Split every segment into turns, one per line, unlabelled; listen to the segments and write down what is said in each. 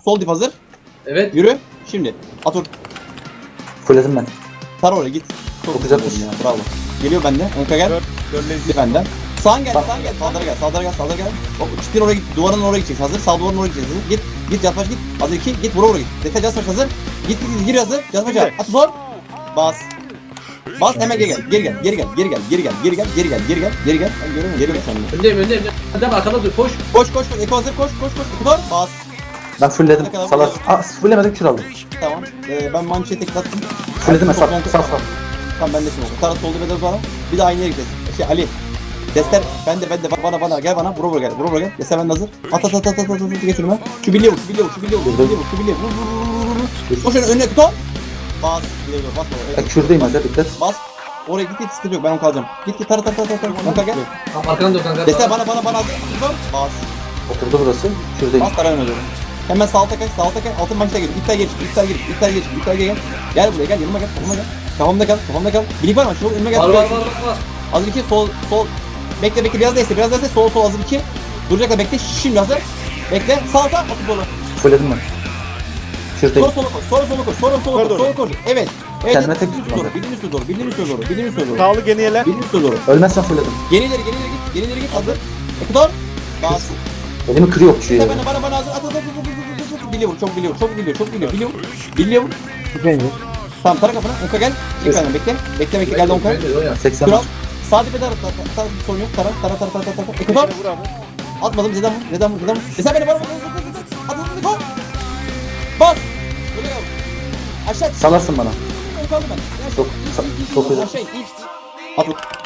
Sol dip hazır.
Evet.
Yürü. Şimdi. Atur.
Fulledim ben.
Tar oraya git.
Çok güzel
ya. Bravo. Geliyor bende. Onka gel. Gitti benden. Sağın gel. Sağın gel. Saldırı gel. Saldırı gel. Saldırı gel. Hop. Çitin oraya git. Duvarın oraya gideceksin. Hazır. Sağ duvarın oraya gideceksin. Hazır. Git. Git. Yatmaç git. Hazır 2. Git. Vura git. Dete Jaspaç hazır. Git. Gir hazır. Jaspaç al. At zor. Bas. Bas hemen geri gel. Geri gel. Geri gel. Geri gel. Geri gel. Geri gel. Geri gel. Geri gel. Geri gel. Ben görüyorum. Geri gel sen de.
Öndeyim. Öndeyim arkada dur koş.
Koş koş koş. Eko hazır. Koş koş koş. Eko bas.
Ben fullledim.
Ne kadar
Salar.
vuruyor?
Fullemedim kür aldım.
Tamam. Ben mançeye teklattım.
Fulledim ben. Sağ.
Tamam ben de şimdi. Tarat soldu ve de bana. Bir de aynı yere gideceğiz. Ali. Dester bende bana gel bana. Vura gel. Vura gel. Dester bende hazır. At geç önüme. Şu birliğe vur. Koş önüne tut. Bas. Birliğe vur. Bas.
Ben kürdeyim hadi dikkat.
Bas. Oraya git sıkıntı yok. Ben onu kalacağım. Git tar. Onka gel.
Tamam arkadan dur kanka.
Dester bana hazır. Bas.
Oturdu burası. Kürdeyim.
Bas tara önüme. Hemen sağ alta kaç. Altın maçta gel. İptal gel. Gel buraya gel. Yanıma gel. Kafamda kal. Bilik var mı? Şu önüme gel.
Var.
Hazır 2 sol. Bekle biraz da iste. Sol hazır 2. Duracaklar bekle. Şimdi hazır. Bekle. Sağ alta atı dolu.
Fulledim ben. Kürdeyim.
Sonra sola koş. Evet.
Kendime tek
Bildiğin
tutmadım.
üstüne doğru.
Sağlı geniyeler.
Bildiğin üstüne doğru.
Ölmezsen fulledim.
Geri ileri git. Hazır. Ekudor. Bas.
Elimi kırıyor okçuyu ya.
Sen bana hazır. At. Biliyor. Çok biliyor. Biliyor. Tamam tara kafana. Onka gel. İlk benden bekle. Bekle geldi Onka.
80
Kral.
var.
Sağ dibe dar. Sorun yok. Tara. Ekudor.
Vur abi.
Atmadım. Neden vur? Sen beni bana. At. Bas. Böyle gel. Aşağı.
Salarsın bana.
Kaldım ben.
Çok güzel.
Aşağı. At.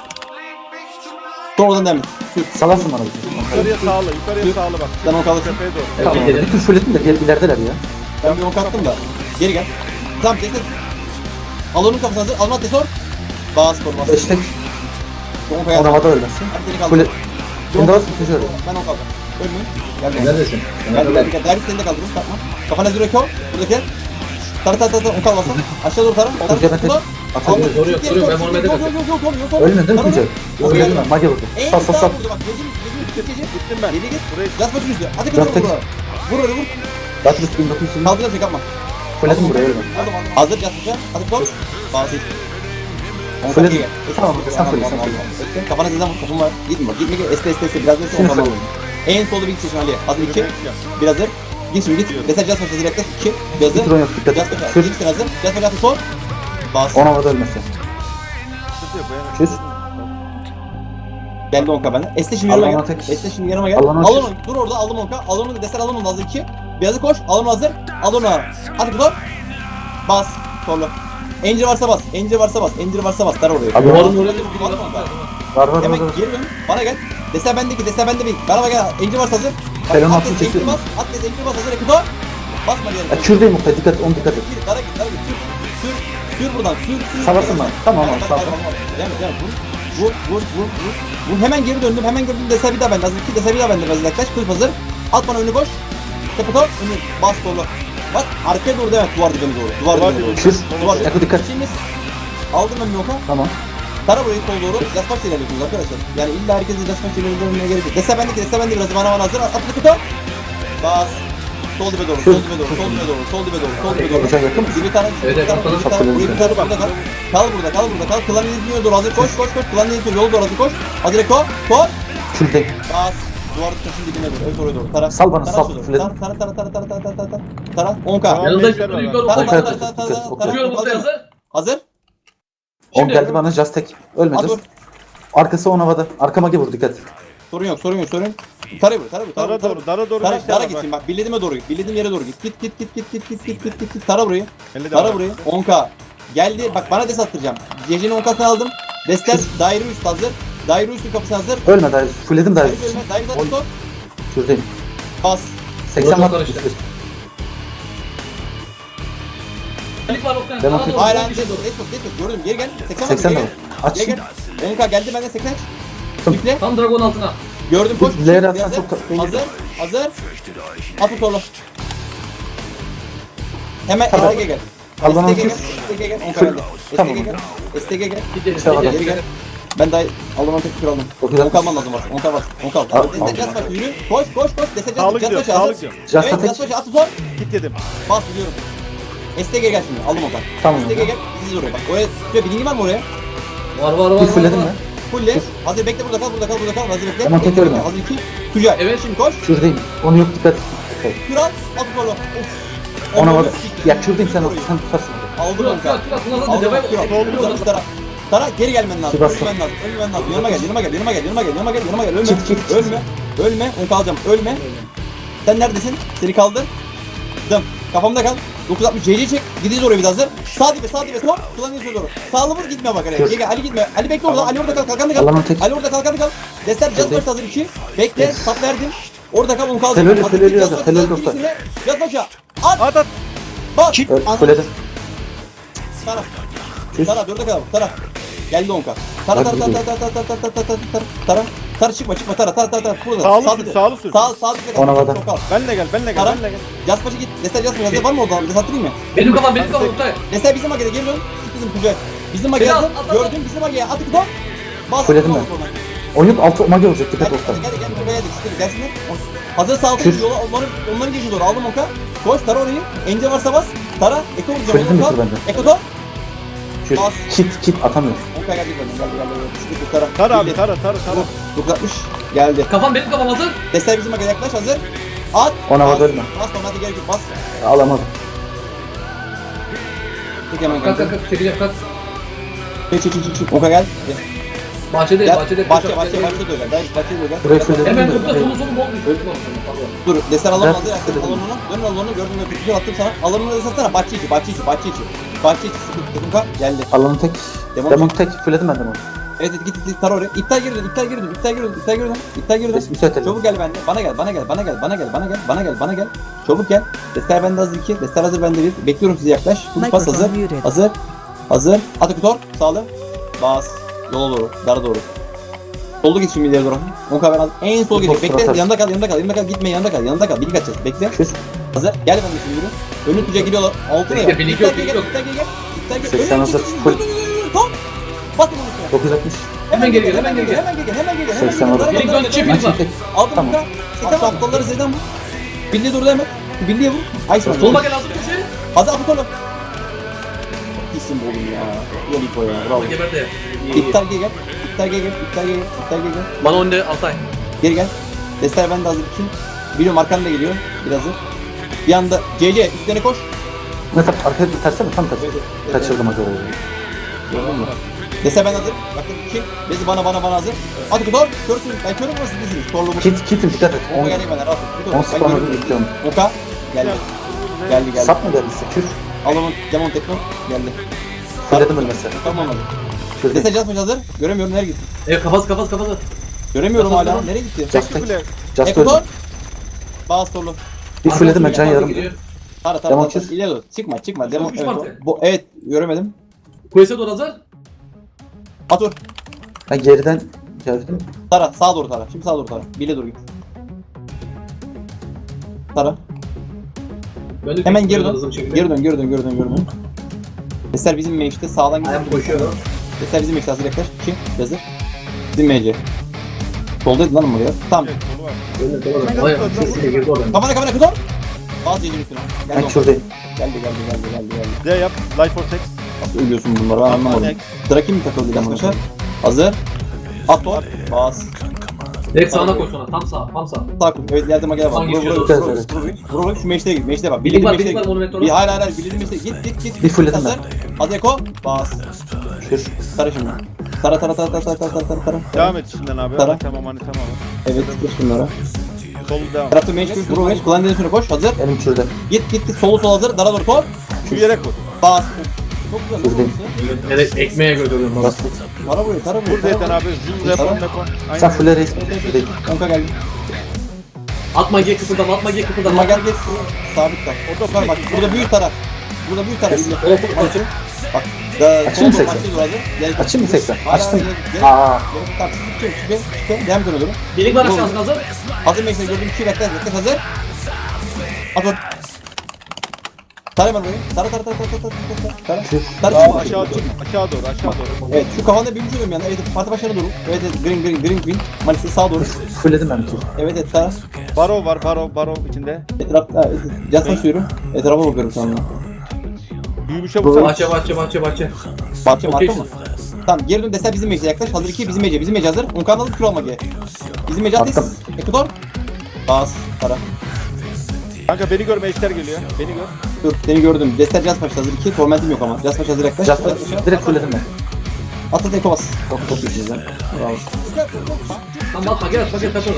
Doğrudan devam et. Sür.
Salarsın bana.
Yukarıya sağlı bak.
Sen onu kalırsın.
Tepeye doğru.
Tamam. Bir tür fulledim de ilerideler ya.
Ben bir ok attım da. Geri gel. Tamam destek. Al onun kafasına hazır. Almat desor. Bas korumaz.
Eştek.
On
On
kaya.
havada ölmezsin.
Hadi seni kaldır.
Fulle. Şimdi daha sıkıntı şöyle.
Ben on kaldım. Ölmeyin. Gel.
Neredesin?
Gel. Derbi seni de kaldırın. Takma. Kafana zürek yok. Buradaki. Tara. On kalmasın. Aşağı doğru tara.
Tuncay ben tek atabilirim.
Soruyor. Ben Muhammed'e bakıyorum.
Yok.
Ölmedin mi Tuncay? Ölmedim ben. Mage vurdu. Sal.
Bak gece.
Gittim ben.
Geri git.
Buraya
Yaz başını üstüne. Hadi
Dört
kızım
tek.
vur.
Batrus 1900.
Kaldıracağım seni kapma.
Fulledim buraya ölme.
Aldım. Hazır yaz başına. Hadi tor. Bazı.
Fulledim. Tamam sen fulle.
Kafana zeden vur. Kapım var. Gitme. Este. Biraz da sonra tamam. En solda bir seçim Ali. Hazır 2. Bir hazır. Git şimdi git. Destek yaz başına bekle. 2. Bir hazır.
Bir drone yok dikkat
Yaz
et.
başına.
Kür.
Gitsin hazır. Yaz başına sor. Bas.
On havada ölmesin. Kür.
Geldi onka benden. Este şimdi
Allah'ına
yanıma gel.
tek.
Este şimdi yanıma gel.
Allah'ına
Al
tek.
onu. Dur orada. Aldım onka. Al onu. Destek al onu. Hazır 2. Bir hazır koş. Al onu hazır. Al onu. Hadi kudor. Bas. Torlu. Encir varsa bas. Tar oraya.
Abi, Var.
Hemen geri dön. Bana gel. Dese bende bir. Bana gel. Encir varsa hazır.
Pelon
At
atlı
des, encir
çekiyorum.
bas. At des, encir bas hazır. Ekutor. Basma diyelim.
Kürdeyim Muhtay dikkat et. Onu dikkat et.
Gir. Dara git. Sür buradan. Sür.
Salarsın bana. Tamam abi sağ ol.
Devam. Vur. Hemen geri döndüm. Dese bir daha bende. Hazır 2 dese bir daha bende. Biraz yaklaş. Kılıf hazır. At bana önü koş. Tepetor. Önü. Bas dolu. Bas. Arkaya doğru devam et. Duvar dibine doğru. Duvar dibine doğru.
Kür.
Duvar
Eko dikkat.
Şimdi aldım ben bir oka.
Tamam.
Tara burayı sol doğru. Jaspaç ilerliyorsunuz arkadaşlar. Yani illa herkesin Jaspaç ilerlemeye gerek yok. Dese bende biraz bana hazır. At kutu. Bas. Sol dibe doğru.
Hocam yakın mısın?
Bir tane.
Evet,
Burayı bir tane burada kal. Kal burada. Klan izliyor doğru hazır. Koş. Klan izliyor yol doğru hazır koş. Hazır Eko. Koş.
Kürdeyim.
Bas. Duvarın taşın dibine doğru. Evet oraya doğru. Tara.
Sal bana, sal.
Tara. 10k.
Yanında yukarı. Bakıyorum ortaya hazır.
Hazır.
10 geldi bana Jastek. Ölmeyeceğiz.
Hazır.
Arkası on havada. Arka Mage vur dikkat.
Sorun yok. Tara vur.
Dara doğru.
Tara gitsin bak. Bildiğime doğru git. Bildiğim yere doğru git. Git. Tara burayı. Tara burayı. 10k. Geldi. Bak bana des attıracağım. Gecenin 10k'sını aldım. Desler daire üst hazır. Daire üstün kapısı hazır.
Ölme daire. Fulledim daire.
Daire zaten sor.
Kürdeyim.
Bas.
80
Orada
var.
karıştı.
Ben atıyorum.
Hayır hayır. Des gördüm. Geri gel.
80 var. Aç.
Geri gel. 10k geldi benden 80.
Tamam.
Yükle.
Tam dragon altına.
Gördüm koş.
Ler atsan çok
Hazır. Atı torlu. Hemen
Tamam.
STG gel.
Al bana
STG gel.
atıyorsun.
STG gel. 10
Full.
geldi.
Tamam.
STG gel. STG gel.
Gidelim.
Tamam.
Geri gel. Ben daha Allah'ın tek kür aldım.
960.
10 kalman lazım varsa. 10 kal var. 10 kal.
Al,
Destek yaz başı yürü. Koş. Destek
Sağlık
yaz
diyor,
başı
sağlık
hazır.
diyor.
Just
Evet
ateş.
yaz başı atı son.
Git dedim.
Bas biliyorum. STG gel şimdi. Aldım o kadar.
Tamam.
STG gel. Diziz oraya bak. Oraya şöyle bilgi var mı oraya?
Var.
Bir fulledim mi?
Fulle. Hazır bekle burada kal. Hazır bekle.
Tamam, tek ölme.
Hazır 2. Tüccar.
Evet.
Şimdi koş.
Kürdeyim. Onu yok dikkat. Okay.
Kür al. At solu. Of.
Ona
Onu
var.
siktir.
Ya kürdeyim sen tutarsın.
Aldım onu.
Tara.
Aldım. Kür al. Tara. Tara geri gelmen lazım.
Bastım.
Ölmen lazım. Yanıma gel.
Kit.
Ölme. Onu kalacağım. Ölme. Sen neredesin? Seni kaldır. Dım. Kafamda kal. 960 CC çek. Gidiyoruz oraya bir daha hazır. Sağ dibe. Hop. Kullanıyorsun doğru. Sağlı vur gitme bak araya.
Dur.
Gel Ali gitme. Ali bekle orada. Ali orada kal. Kalkanı kal.
Allah'ım tek.
Ali orada kalkanı kal. Destek just
Dur.
first hazır 2. Bekle. Sap verdim. Orada kal onu kaldır.
Telörlü,
Hazır,
telörlü
just
yazar,
first,
telörlü
just
dostlar.
first, Yaz başa. At.
At.
Bas.
Fulledim.
Tara.
Çüz.
Tara 4'e kadar. Tara. Geldi 10k. Tara çıkma. Tara. Burada.
Sağlı sür.
Sağ.
Ona vada.
Benle gel.
Tara. Yaspaçı git. Destek yazma. Var mı orada? Destek attırayım mı?
Benim kafam Oktay.
Destek bizim magede geri dön. Git bizim Tuncay. Bizim magede
Biraz,
hazır.
at.
Gördün bizim mageye. At kutu. Bas.
Fulledim ben. Oyun altı mage olacak dikkat
Gel
oktan.
buraya dik. Gelsinler. Hazır sağ
Kür.
yola onların geçiyor doğru. Aldım onka. Koş Tara orayı. Ence varsa bas. Tara. Eko vuracağım.
Fulledim bir tur bende.
Eko top.
Kür.
Bas.
Kit atamıyorum.
Onka geldik benden. Geldi. Sıkıntı Tara.
Tara abi
Bildi.
tara.
960 geldi.
Benim kafam hazır.
Destek bizim magede yaklaş hazır. At.
Ona
Bas.
vada ölme.
Bas normalde gerek yok. Bas.
Alamadım.
Tek hemen
Kalk
kanka.
çekeceğim kalk.
Çık. Onka gel.
Bahçede.
Bahçede de öyle. Bahçede de öyle.
Burayı fulledim
Hemen
mi?
topla solu bol.
Dur, desen alalım
Evet,
hazır yaklaşık
fulledim.
alanına. Dön alanına gördün mü? Güzel attım sana. Alanına desatsana. Bahçe içi. Bahçe içi. Sıkıntı takımka geldi.
Alanın tek.
Demon
Demon tek. Fulledim ben demonu.
Evet git tar oraya. İptal geri dön.
Müsait
Çabuk gel bende. Bana gel. Çabuk gel. Destler bende hazır 2. Destler hazır bende 1. Bekliyorum sizi yaklaş. Full pas hazır. Hazır. Atı kutor. Sağlı. Bas. Yola doğru. Dara doğru. Solda git şimdi ileri doğru. 10k ben aldım. En sol gidiyor. Bekle.
Atar.
Yanında kal. Gitme yanında kal. Bilgi kaçacağız. Bekle.
Kür.
Hazır. Gel ben de şimdi yürü. Önü tuca gidiyorlar. Altına
Bekle,
ya.
birlik
İptal
yok,
gel.
birlik yok.
İptal gel.
80 hazır. Full.
Top. Bas bunun üstüne.
960.
Hemen geri gel.
Hemen gel.
80 hazır.
Birlik dön, çift birlik var.
Tek.
Aldım
Tamam.
kanka. Setem aptalları Z'den vur. Bildiği durdu hemen. Bildiği vur. Iceman.
Soluma gel hazır köşe.
Hazır apı torlu. İsim bu oğlum ya. Yoliko ya. Bravo.
Geber de.
İptal gel.
Bana önde Altay.
Geri gel. Destler bende hazır 2. Biliyorum arkamda geliyor. Biraz hazır. Bir anda CC üstlerine koş.
Ne tap? Arkaya terse mi? Tam tersi. Kaçırdım acaba.
Gördün mü? Dese ben hazır. Bakın 2. Bezi bana hazır. Hadi kutor. Körsün. Ben körüm burası diziniz. Torlu bu.
Kitim dikkat et.
Oka geleyim ben. Rahat ol.
10 spamladım bekliyorum.
Oka. Geldi.
Sap mı geldiyse? Kür.
Alamın. Demon tekno. Geldi.
Fulledim ölmesi.
Tamam hadi.
Kürdeyim.
Dese Jasmine hazır. Göremiyorum nereye gitti.
Kafası.
Göremiyorum
Tamam,
hala.
tamam.
Nereye gitti?
Just tek. Just
Ekutor.
öldüm.
Bas torlu.
Bir fulledim ben can yarım.
Tara.
Demon çiz.
İleri dur. Çıkma. Demon.
Üç
Evet.
martı.
Evet. Göremedim.
Kuyese doğru hazır.
Atur.
Ben geriden geldim.
Tara. Sağa doğru Tara. Şimdi sağa doğru Tara. Bile doğru git. Tara. Hemen geri dön. Geri dön. Eser bizim meşte sağdan gidiyor.
Ayağım koşuyor.
Eser bizim meşte hazır yaklaş. 2. Yazır. Bizim MC. Soldaydı lan oraya. Tamam. Kafana kutor. Bazı yerin üstüne.
Ben
Geldi.
kürdeyim.
Geldi.
D yap. Life for sex.
Nasıl ölüyorsun bunları ben anlamadım. Draki mi takıldı arkadaşlar? Hazır. Ator. Bas.
Direkt sağına koş sonra. Tam sağ.
Sağ kul. Evet yardıma gel bak.
Hangi
Vur şu meşteye git. Meşteye bak.
Birlik var
meşteye git.
monumentor.
Bir hayır. Bildiğin meşteye git.
Bir fulledim
Hazır. Hazır Eko. Bas.
Kür.
Tara şimdi. Tara.
Devam et şimdiden abi.
Tara.
Tamam.
Evet geç bunlara.
Solu devam.
Tarafta meş kür. Vur meş. Kulağın üstüne koş. Hazır.
Elim kürde.
Git. Solu hazır. Dara doğru top.
Şu yere koy.
Bas. Çok güzel.
Şuradayım.
Evet ekmeğe götürüyorum.
Bastım.
Tara buraya.
Burada yeter abi. Zoom repon.
Sen fulle reis mi? Kürdeyim.
Onka geldi.
Atma G kıpırdama.
Ama gel geç. Sabit kal. Orada var bak. Burada büyük taraf. Bak.
Açayım mı 80? Açayım mı 80? Açtım. Aa.
Tamam. Çıkıyor. Devam ediyorum.
Birlik var aşağısına hazır.
Hazır meksen gördüm. 2 bekle hazır. Atın. Tara hemen burayı. Tara. Tara
Aa,
çıkma.
aşağı doğru.
Evet şu kafanda büyümüş oluyorum yani. Evet parti başlarına doğru. Evet green. Maalesef sağa doğru.
Fulledim ben bir tur.
Evet Tara.
Baro var, baro içinde.
Etrafta caz taşıyorum. Etrafa bakıyorum şu anda.
Büyümüşe vursana.
Bahçe.
Bahçe
Okey.
marka mı? Tamam geri dön desel bizim meclise yaklaş. Hazır 2 bizim mece hazır. Unkan alıp kür alma geri. Bizim mece ateş. Ekutor. Bas. Tara.
Kanka beni gör, meclisler geliyor. Beni gör.
Dur seni gördüm. Destel caz paşa hazır 2. Tormentim yok ama. Caz paşa hazır yaklaş.
Just direkt fulledim ben.
Atlat eko bas. Çok iyisiniz lan. Bravo.
Tamam atma gel tak oradan.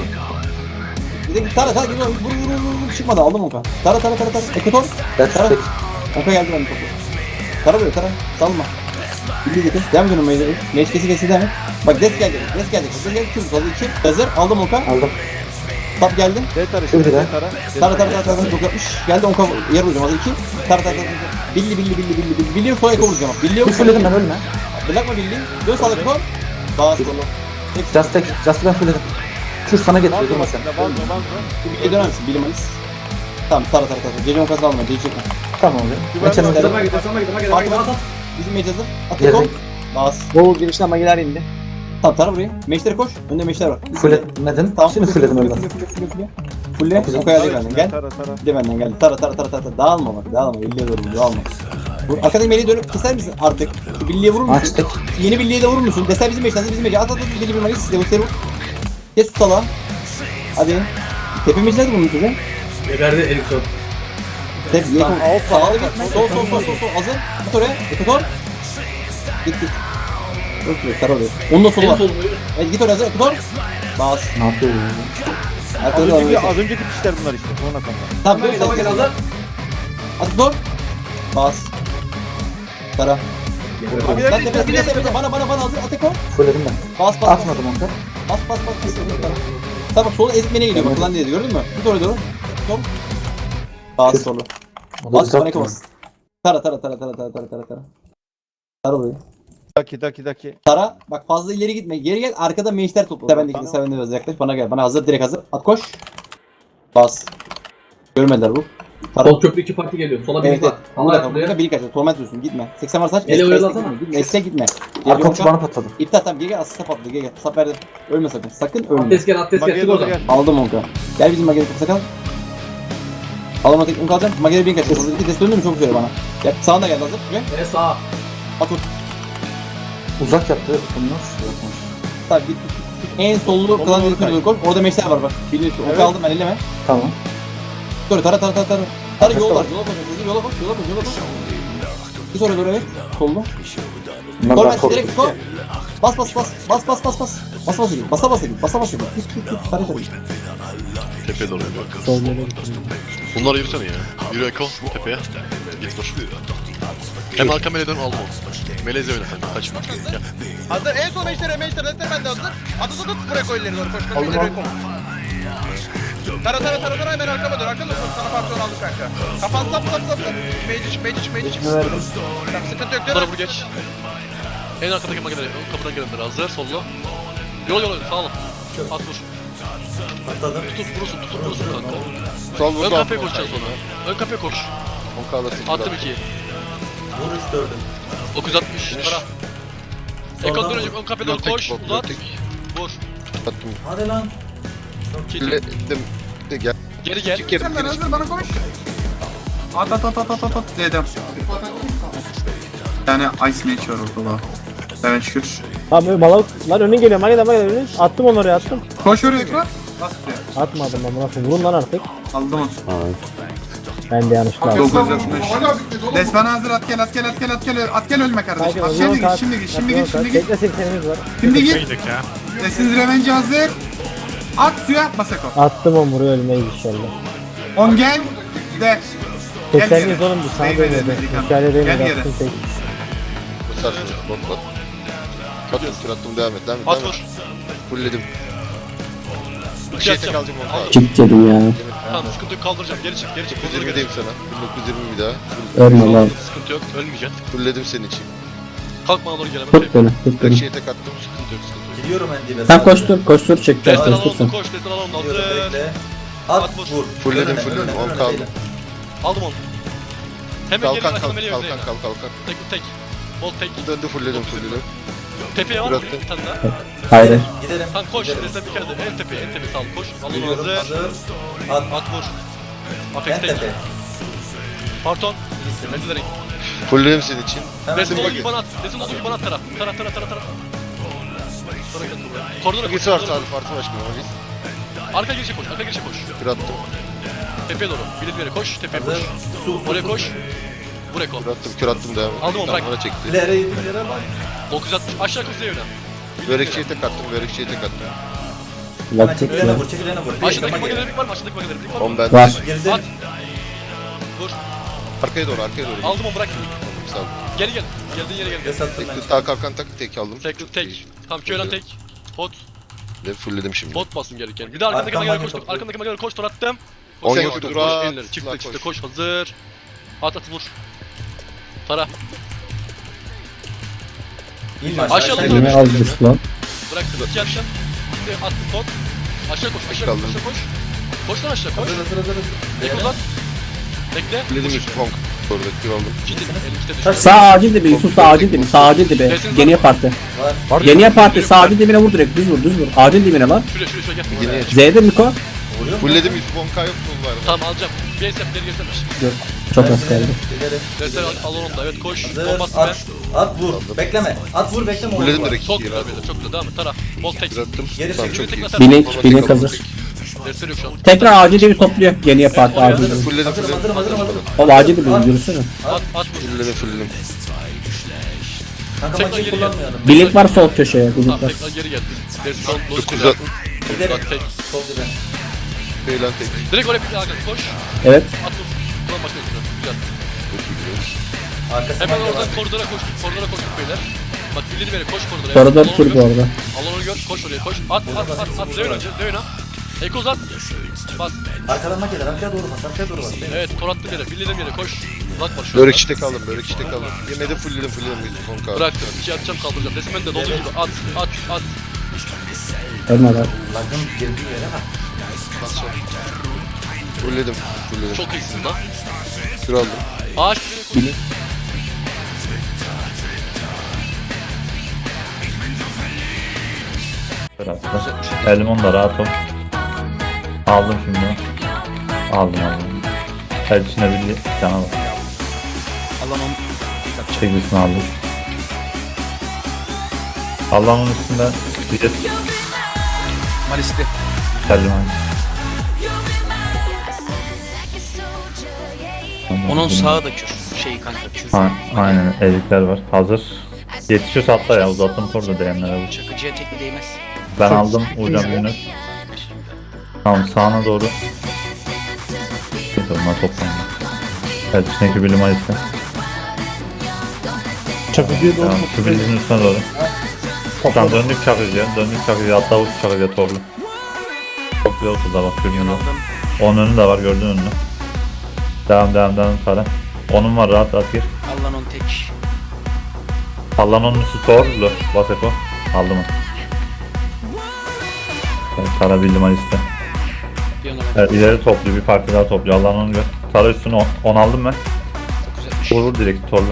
Bir de Tara vur çıkmadı aldım Unkan. Tara. Ekutor.
That's
Tara.
tek.
Unkan geldi benim topu. Tara böyle Tara. Salma. Bildi getir. Devam ediyorum meclise. Meclise kesi devam et. Bak des geldi. Des geldi. Kür hazır 2. Hazır. Aldım Unkan.
Aldım.
Tap geldi.
D tarı
Şurada.
şimdi, D tarı.
Tara çok yapmış. Geldi onka yer vuracağım hazır 2. Tara. Billi. Billi sola eko vuracağım. Billi yok.
Bir fulledim ben ölme.
Bırakma Billi. Dön sağda eko. Bas solu.
Just tek. Just'ı ben fulledim. Kür sana getiriyor
Vanzo
durma
bak,
sen.
Vanzo.
Billi'ye döner misin? Billi Malis. Tamam Tara. Gece onkasını alma. Gece çekme.
Tamam oluyor. Ben çenem
Sana
fulledim.
git. At.
Bizim mecaz hazır. At eko.
Yedik.
Bas.
Doğu girişten magiler indi.
Tamam Tara burayı. Meşlere koş. Önde meşler var.
Fulledim.
Tamam.
Şimdi fulledim öyle.
Fulle. Onkaya geldi benden. Gel.
Tara.
Bir de benden geldi. Tara. Dağılma bak. Dağılma. Billi'ye doğru. Dağılma. Arkadaki meleği dönüp keser misin artık? Şu Billi'ye vurur musun?
Açtık.
Yeni Billi'ye de vurur musun? Desel bizim meşler. Bizim meşler. At. Billi bir Malis. Size bu seri vur. Kes tutala. Hadi. Tepemiz nedir bunun size?
Geberdi Erikson.
Tep. Sağlı git. Sol. Hazır. Git oraya. Ekutor. Git. Yok Tara oraya. Onun da solu
En
var.
sol
Evet git oraya hazır. Ekutor. Bas.
Ne yapıyor ya?
Arkada da
Az önceki kişiler bunlar işte. Sonra kanka.
Tamam dur.
Tamam gel hazır.
Ekutor. Bas. Tara.
Abi,
Lan tepe bana hazır. At Eko.
Fulledim ben.
Bas.
Atmadım onka.
Bas. Tamam sola ezmene geliyor bak lan dedi gördün mü? Git oraya doğru. Sol. Bas solu.
O da
Bas bana
uzak.
Eko bas. Tara. Tara burayı.
Daki.
Tara bak fazla ileri gitme. Geri gel arkada meşler topla. Sevendeki sevende biraz yaklaş. Bana gel. Bana hazır direkt hazır. At koş. Bas. Görmediler bu. Tara.
Sol köprü 2 parti geliyor. Sola bir
Evet.
var. Allah
Burada
buraya.
bir kaçıyor. Torment diyorsun. Gitme. 80 var saç.
Ele oyalasana.
Esle gitme.
Arka okçu bana patladı.
İptal tamam gel asıl sap atla gel. Sap verdim. Ölme sakın. Sakın ölme.
Atles gel çık
Mageye
oradan.
gel.
Aldım onka. Gel bizim mageri kursa kal. Alama tek onka alacağım. Mageri bin kaçıyor. Hazır iki dest döndü mü çok güzel bana. Gel sağına gel hazır. Gel.
Sağ.
At ot.
Uzak yaptı. Bunlar.
Tamam git. En sollu klan
doğru
dedesine doğru koy. Orada meşler var bak. Biliyorsun. Onka
Evet.
aldım ben elleme.
Tamam.
Dur tara. Tara yol var. Yola koş. Git oraya doğru evet. Sollu.
Bunlar
Torment
daha korktu.
direkt koy. Bas. Basa git. Git. Tara.
Tepeye doğru yürüyor. Bunlara yürüsene ya. Yürü Eko tepeye. Git dur. Hem arka meleğe dön aldım onu. Meleze oyna kanka kaçma. Gel.
Hazır en son meşlere ben de hazır. Atı buraya koy ileri doğru koş. Tara hemen arkama dön. Arkama dön. Sana partiyonu aldık kanka. Kafan sap. Magic. Tamam sıkıntı yok
Bunlara
değil mi?
vur geç. En arkadaki makineleri kapıdan gelenler hazır sollu. Yol sağ ol. At vur. Tutup vurursun kanka.
Sol
Ön kapıya koşacaksın sonra. Ön kapıya koş. Attım 2'yi.
Vur 3 4'üm.
960 para. Eko dönecek ön kapıya doğru koş. Uzat. Vur.
Hadi lan.
Geri gel.
Sen hazır bana koş. At. Z'den. Yani Ice Mage var ortada. Evet şükür.
Abi balıklar önüne geliyor. Magida önüne. Attım onu oraya attım.
Koş oraya ekran. Bas suya.
Atmadım ben nasıl vurun lan artık.
Aldım onu.
Ben de yanlışlıkla aldım.
960. Desmana hazır at gel ölme kardeşim. At şimdi git.
Tekle 80'imiz var.
Şimdi git. Desiniz Revenge hazır. At suya Masako.
Attım onu buraya ölmeyiz inşallah.
10 gel. De.
80'imiz oğlum bu sana
Değmedi,
dönüyordu.
Amerikan.
Mükemmel
Gel
değil
yere.
attım tek.
At vur. İki atacağım.
Çık dedim ya.
Tamam sıkıntı yok kaldıracağım. Geri çık.
1920'deyim sana. 1920 bir daha.
Ölme lan.
Sıkıntı yok. Ölmeyeceksin.
Fulledim senin için.
Kalk bana doğru gelemem.
Tut beni tut
Her
beni.
şeye tek attım.
Sıkıntı yok.
Gidiyorum en dibe.
Sen koştur çekeceğiz
Destan
koştur sen.
alalım koş. Destan alalım.
Gidiyorum
Hazır.
bekle. At vur.
Fulledim,
Önüne,
fulledim.
önüne,
10
önüne
kaldı.
değil.
Aldım onu. Hemen geri
Kalkan
arkana
kalkan
meleğe
kalkan
yönleyin.
kalkan.
Tek. Bol tek.
Döndü fullledim fullledim.
Tepeye var mı?
Bıraktım.
Bir tane daha.
Hayır.
Gidelim.
Tamam koş. Reset bir kere de. En tepe sağ ol. Koş. Alın
Geliyorum,
hazır.
hazır. At.
At vur.
En
Apex tek.
tepe.
Parton. Eldilerin.
Fullledim senin için.
Hemen
Resin olduğu
bakayım.
gibi bana at. Resin olduğu gibi bana at taraf. Taraf. Sonra gel buraya. Koridora koş.
Birisi var
koridora
sağda parti başkanı var.
koş. Arka girişe koş.
Bir attım.
Tepeye doğru. Bilet yere koş. Tepeye koş.
hazır. Su.
Oraya koş. Buraya koş.
Kür attım devam.
Aldım onu, bırak.
Bana çekti.
İleri ileri bak.
960. Aşağı kuzeye yöne.
Börekçiye tek attım. Börekçiye tek attım.
Bak
Hemen
çek
çekilene
ya.
vur, çekilene vur.
Aşağıdaki
Tamam,
makinelerin var mı? Aşağıdaki makinelerin var mı?
10 ben.
Var.
Girdim.
At. Dur.
Arkaya doğru arkaya doğru.
Aldım onu, bırak.
Sağ ol.
Geri gel. Geldiğin yere gel.
Res attım ben.
Tek sağ kalkan tek aldım.
Tek. Tamam köyden tek. Pot.
Ve fullledim şimdi.
Pot basın gereken. Bir de arkandaki
Arkam
makinelere
makinesi
koş. Arkandaki makinelere koş. Tor attım.
10
Koş,
yoktur,
koş,
rahat.
elleri. Çıktı
Rahat
çıktı.
koş.
Koş hazır. At vur. Tara.
İn
Aşağı
aşağı.
doğru.
Yine az düştü lan.
Bıraktım. İki yapışın. Şimdi attım pot. Aşağı koş. Aşağı koş.
kaldım.
Aşağı koş. Koş lan aşağı koş.
Hazır.
Ek uzat. Bekle.
Fulledim Yusuf Honk. Orada kür aldım.
Ciddi. Elimizde düştü.
Taş.
Sağ acil dibi Yusuf, sağ acil dibi, sağ acil dibi. Geniye parti.
Var.
Geniye parti, sağ acil dibine vur direkt, düz vur. Acil dibine lan.
Şuraya gel.
Yine
Z'de Miko.
Vuruyor mu?
fulledim Yusuf Honk'a yok mu var?
Tamam alacağım. Bir esnaf ileri gelsene.
Çok az kaldı.
İleri.
Dersler al onu da. Evet koş.
Hazır.
Olmaz be.
At vur. Bekleme. At vur bekleme.
Fulledim
Olur.
direkt
Çok
ikiye
güzel
rahat.
beyler. Çok güzel. Devam et. Tara. Bol tek.
Kür attım.
Geri
Tamam
çekil.
çok iyi.
Bilek hazır.
Dersler yok şu an.
Tekrar acil dibi topluyor. Geniye parti
oraya
acil dibi.
Fulledim
Hazırım.
Oğlum acil dibi yürüsene.
At vur.
fulledim.
Kanka
Tekrar
makineyi
geri gel.
kullanmayalım.
Bilek var sol köşeye. Bilek
Tamam
var.
tekrar geri gel. Dersi son. Loş
9
güzel.
Gidelim.
Bak tek.
Sol dibe.
Beylan tek.
Direkt oraya bir daha gel. Koş.
Evet.
At vur. Ulan başka güzel.
Arkası
Hemen
makine
oradan
var.
koridora koştuk. Koridora koştuk beyler. Bak bildiğini beri koş koridora.
Koridor
Alanı
tur
gör.
bu arada.
Alanı gör. Koş oraya koş. At. Dövün önce. Dövün ha. Eko uzat. Bas.
Arkadan makineler. Arkaya doğru bas. Arkaya doğru bas.
Evet tor attım yere. Bildiğim yere koş. Uzat var şu
Börek
anda.
çiçek aldım. Börek çiçek aldım. Yemede fullledim Yusuf Honk'a.
Bıraktım. İki atacağım kaldıracağım. Resmen de dolu gibi. At.
Ölme lan.
Lagın girdiği yere bak.
Fulledim.
Çok iyisin lan.
Kür aldım.
Ağaç bir koş.
Elmon da rahat ol. Aldım şimdi. Aldım. El içine bir cana bak.
Allah'ım
Çekilsin aldım. Allah'ın üstünde bir de
Malisli.
geldim.
Onun sağı da kür. Şey kanka kür.
Aynen elikler var. Hazır. Yetişiyorsa atla ya, uzattım torda değenlere bu.
Çakıcıya tekli değmez.
Ben aldım hocam Yunus. Tamam sağına doğru. Neyse onlar toplandı. Evet içindeki bilim ayısı.
Çakıcıya
Tamam şu bilimin üstüne doğru. Tamam döndük çakıcıya hatta uç çakıcıya torlu. Çok güzel oldu da bak görünüyor.
Aldım.
Onun önü de var gördüğün önünü. Devam Sara. Onun var rahat gir.
Allah'ın on tek.
Allah'ın onun üstü torlu. Bas Eko. Aldım onu. Evet, Sara bildim ayısı.
Bir ona bak.
Evet ileri topluyor bir parti daha topluyor. Allah'ın onu gör. Sara üstünü 10 aldım ben.
Çok güzelmiş.
Vur direkt torlu.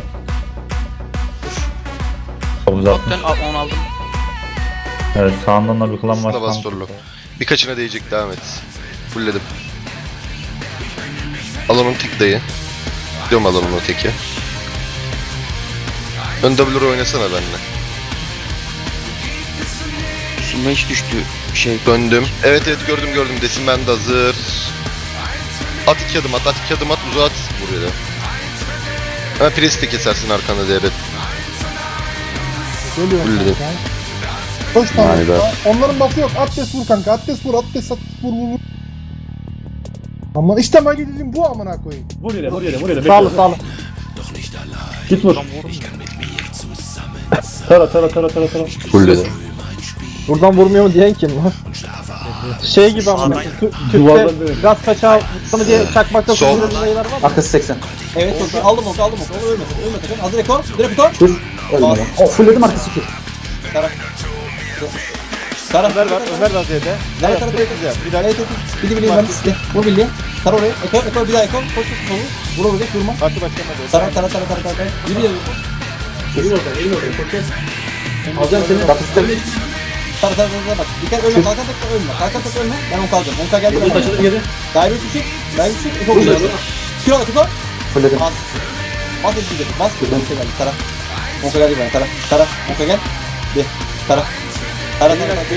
Çok uzatmış.
Toptan 10 aldım.
Evet sağından da bir klan var.
Aslında bas torlu. Birkaçına değecek devam et. Fullledim. Al onun tek dayı. Gidiyorum al onun o teki. Ön W'ları oynasana benimle.
Üstüme hiç düştü şey.
Döndüm. Evet gördüm. Desin ben de hazır. At 2 adım at 2 adım at uzat. Buraya da. Hemen presi de kesersin arkanda diye evet. Fullledim.
Koş
tamam.
Onların buff'ı yok. Atlas vur kanka. Atlas vur. Vur. Ama işte magilim bu amına koyayım.
Vur yere. Sağlı.
Git vur.
Tara.
Fullledim.
Buradan vurmuyor mu diyen kim lan? Şey gibi ama Türk'te gaz kaçağı mı diye çakmakta
Sol.
kullanılan sayılar var.
Arkası 80.
Evet çok iyi. Aldım onu. Ölmesin. Hazır Eko. Direkt Eko.
Dur. Ölme. O fullledim arkası ki.
Tara.
Ömer var Z'de.
Tara. Bir daha. Bildi ben size. Vur bildi. Tara oraya. Eko bir daha Eko. Koş. Vur vur geç vurma.
Parti başlamadı.
Tara. Yürü yürü.
Elin ortaya. Koşacağız. Alacağım seni.
Tara bak. Dikkat ölme. Kalkan tek ölme. Ben 10 kalacağım. 10 geldi.
Bu taşıdı geri.
Daire üstü çık. Çok güzel. Kilo da kutu.
Fulledim.
Bas. Bas eşit dedi. Bas. Bir şey geldi. Tara. 10 geldi bana. Tara. 10 gel. Bir. Tara. Tara.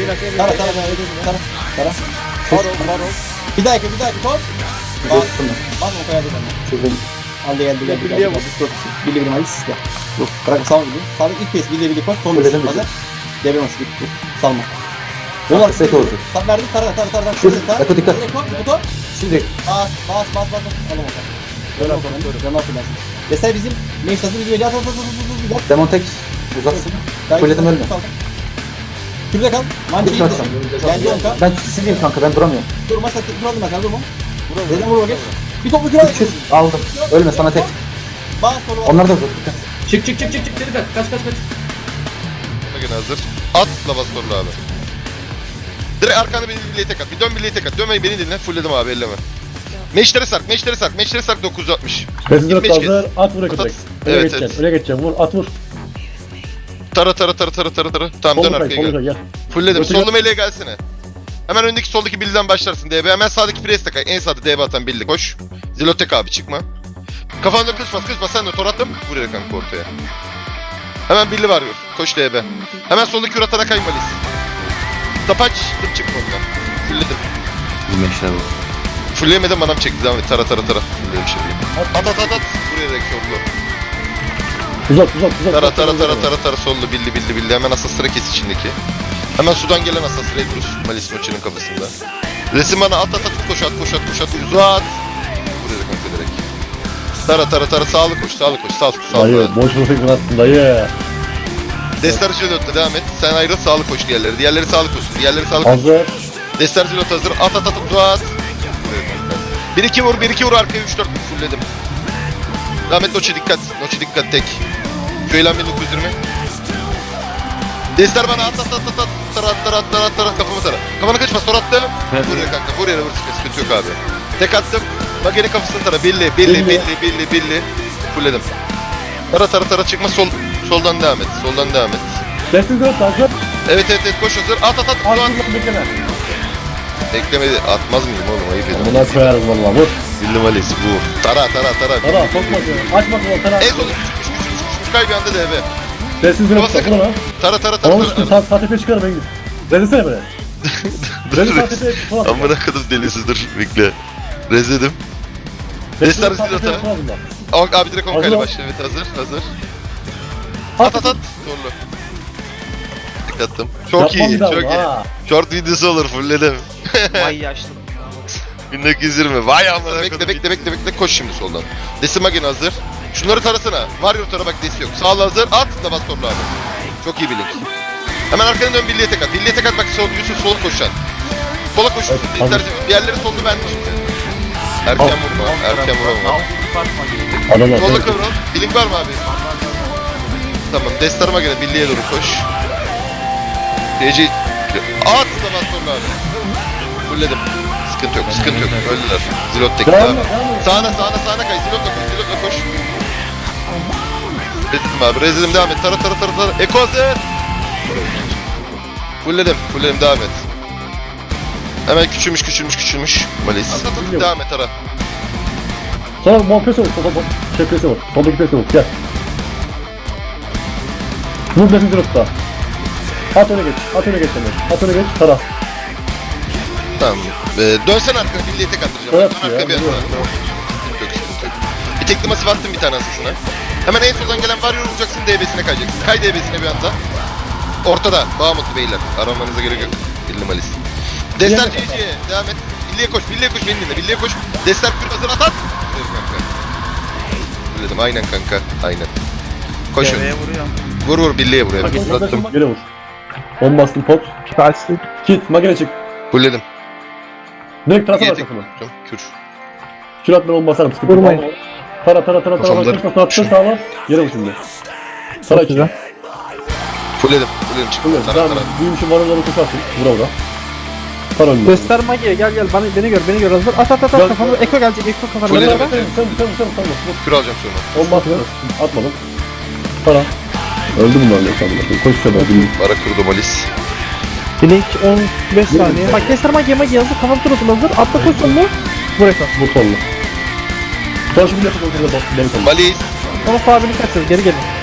Bir daha iki. Top. Bas. Bas 10 geldi bana. Geldi.
Birliğe vur.
Birliğe bir malis iste. Yok. Bırak sağ gidiyor. Sağlık ilk pes. Birliğe koş. Son bir. Hazır. Devre nasıl gitti. Salma. Bunlar set oldu. Sap verdim. Tara. Şurada. Eko dikkat. Eko. Şimdi. Bas. Alın bakalım. Canlar fırlansın. Mesela bizim meştası bizim eli at.
Demon tek uzatsın. Fulledim ölme.
Şurada kal. Mancı iyi. Geldi onka.
Ben sileyim kanka ben duramıyorum.
Durma sakın. Duralım ben. Durma. Dedim vurma geç. Bir toplu kral.
Aldım. Ölme sana tek.
Bas soru var.
Onlar da vur.
Çık. Geri kaç.
Gene hazır. At lava sorulu abi. Direkt arkanda beni birliğe tek at. Bir dön birliğe tek at. Dönmeyin beni dinle. Fullledim abi elleme. Meşlere sark 960.
Bezir
Beş
hazır. At vur direkt.
Evet.
Öne geçeceğim. Vur at vur.
Tara. Tamam dön arkaya gel.
Gel.
Fullledim. Sollu meleğe gelsene. Hemen öndeki soldaki billiden başlarsın DB. Hemen sağdaki press tek. En sağda DB atan billi koş. Zilotek abi çıkma. Kafanda kız bas sen de tor attım. Buraya kanka ortaya. Hemen billi var koş DB. Hemen soldaki üratana kaymalıyız. Tapaç çık ondan. Fullledim. Fullleyemedim manam çekti devam et. Tara. Fullledim şimdi. At. Buraya direkt sollu.
Uzat.
Tara sollu billi. Hemen asasıra kes içindeki. Hemen sudan gelen asas Redrus. Malis Noche'nin kafasında. Resim bana at koş at uzat. Buraya kanka direkt. Tara sağlı koş. Sağ.
Dayı boş bırakın attın dayı.
Destar Zilot'la devam et. Sen ayrıl sağlı koş diğerleri. Diğerleri sağlı koşsun.
Hazır.
Destar Zilot hazır. At uzat. 1-2 vur arkaya 3-4 fullledim. Devam et Noche dikkat tek. Köylen 1920. Destar bana at. Tara kafamı tara. Kafana kaçma sonra attım. Buraya kanka buraya vur sıkıntı yok abi. Tek attım. Bak geri kafasını tara. Billi. Fullledim. Tara çıkma soldan devam et.
Kesin dört hazır.
Evet koş hazır. At. Ulan.
Bekleme.
Beklemedi. Atmaz mıyım oğlum ayıp ediyorum.
Buna koyarız valla vur.
Bildim Alice bu. Tara.
Tara sokma diyor. Açma diyor Tara.
En son küçük kay bir anda DB.
Kesin dört
Bas
sakın ha.
Tara.
Tamam sağ tepeye çıkarım ben gidip. Rezilsene böyle. Rezil sağ tepeye çıkarım.
Amına kadar delisi dur bekle. Rezledim. Destar Zilot'a. Abi direkt 10 kayla başla. Evet hazır. At. Zorlu. Dikkattım. Çok iyi. Short videosu olur fullledim.
Vay yaşlı.
1920. Vay amına. Bekle. Koş şimdi soldan. Desimagin hazır. Şunları tarasana. Warrior tara bak desi yok. Sağla hazır. At da bas torlu abi. Çok iyi bilink. Hemen arkadan dön birliğe tek at. Birliğe tek at bak sol Yusuf sola koşan. Sola koş. Diğerleri soldu ben şimdi. Erken vurma. Sola kıvrıl. Bilink var mı abi? Tamam. Destarıma göre birliğe doğru koş. DC at da bas torlu abi. Fulledim. Sıkıntı yok. Öldüler. Zilot tek abi. Sağına kay. Zilot'la koş. Rezildim devam et. Tara. Eko hazır. Fulledim devam et. Hemen küçülmüş. Malis. Devam et Tara.
Sonra monpesi vur. Pesi vur. Soldaki pesi vur. Gel. Vur besin dropta. At öne geç. At öne geç. Tara.
Tamam. Dönsen arkana birliğe tek attıracağım.
Evet,
Dön arkaya bir yana. Bir tekli masif attım bir tane asasına. Hemen en soldan gelen Warrior vuracaksın DB'sine kayacaksın. Kay DB'sine bir anda. Ortada. Bağmutlu beyler. Aramanıza gerek yok. Billi Malis. Destar CC'ye devam et. Birliğe koş beni dinle. Birliğe koş. Destar kür hazır at. Ver kanka. Söyledim aynen kanka. Aynen. Koşun. Vur birliğe buraya.
Attım. Geri vur. 10 bastım pot. Kit. Magene çık.
Fulledim.
Direkt trasa var kafana.
Kür.
Kür atma 10 basarım. Sıkıntı yok. Tara. Attın sağla. Yere vur şimdi. Tara içine.
Fulledim çık. Tara.
Büyümüşüm var onları tutarsın. Vura.
Kar önüne.
Göster Magi'ye gel beni gör hazır. At kafana Eko gelecek Eko
Full
kafana.
dedim. Kür alacağım sonra.
Olmaz mı? Atmadım. Para. Öldü bunlar ne sanırım. Koş sefer.
Ara kurdu Malis.
Blink 15 saniye. Bak göster Magi hazır. Kafam turasın hazır. Atla koş sonuna. Vur Eko.
Bu sonlu. Sonra şimdi yapalım. Beni sonlu.
Malis.
Sonra sabini kaçacağız geri gelin.